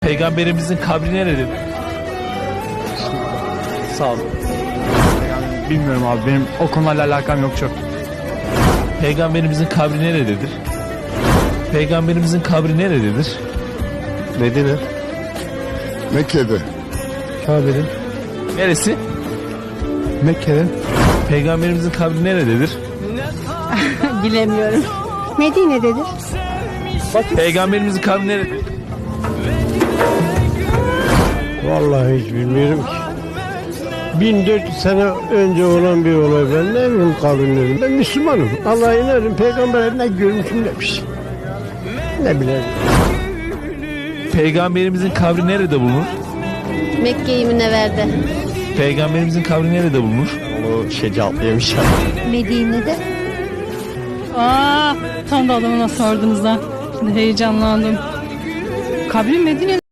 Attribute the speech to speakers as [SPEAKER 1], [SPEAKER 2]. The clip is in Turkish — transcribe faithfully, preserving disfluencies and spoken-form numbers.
[SPEAKER 1] Peygamberimizin kabri nerededir?
[SPEAKER 2] Sağ olun. Yani bilmiyorum abi, benim o konularla alakam yok çok.
[SPEAKER 1] Peygamberimizin kabri nerededir? Peygamberimizin kabri nerededir?
[SPEAKER 3] Medine. Mekke'de.
[SPEAKER 2] Kabe'nin.
[SPEAKER 1] Neresi?
[SPEAKER 2] Mekke'nin.
[SPEAKER 1] Peygamberimizin kabri nerededir?
[SPEAKER 4] Bilemiyorum.
[SPEAKER 5] Medine'dedir.
[SPEAKER 1] Peygamberimizin kabri nerededir?
[SPEAKER 6] Vallahi hiç bilmiyorum ki. bin dört yüz sene önce olan bir olay, ben ne bileyim kavimlerim. Ben Müslümanım. Allah'a inanırım. Peygamber ne görmüşüm demiş. Ne bileyim.
[SPEAKER 1] Peygamberimizin kabri nerede bulunur?
[SPEAKER 4] Mekke-i Münevver'de.
[SPEAKER 1] Peygamberimizin kabri nerede bulunur?
[SPEAKER 2] O şey cevaplayamış.
[SPEAKER 5] Medine'de.
[SPEAKER 7] Aa, tam da adamına sordunuz ha. Şimdi heyecanlandım. Kabri Medine.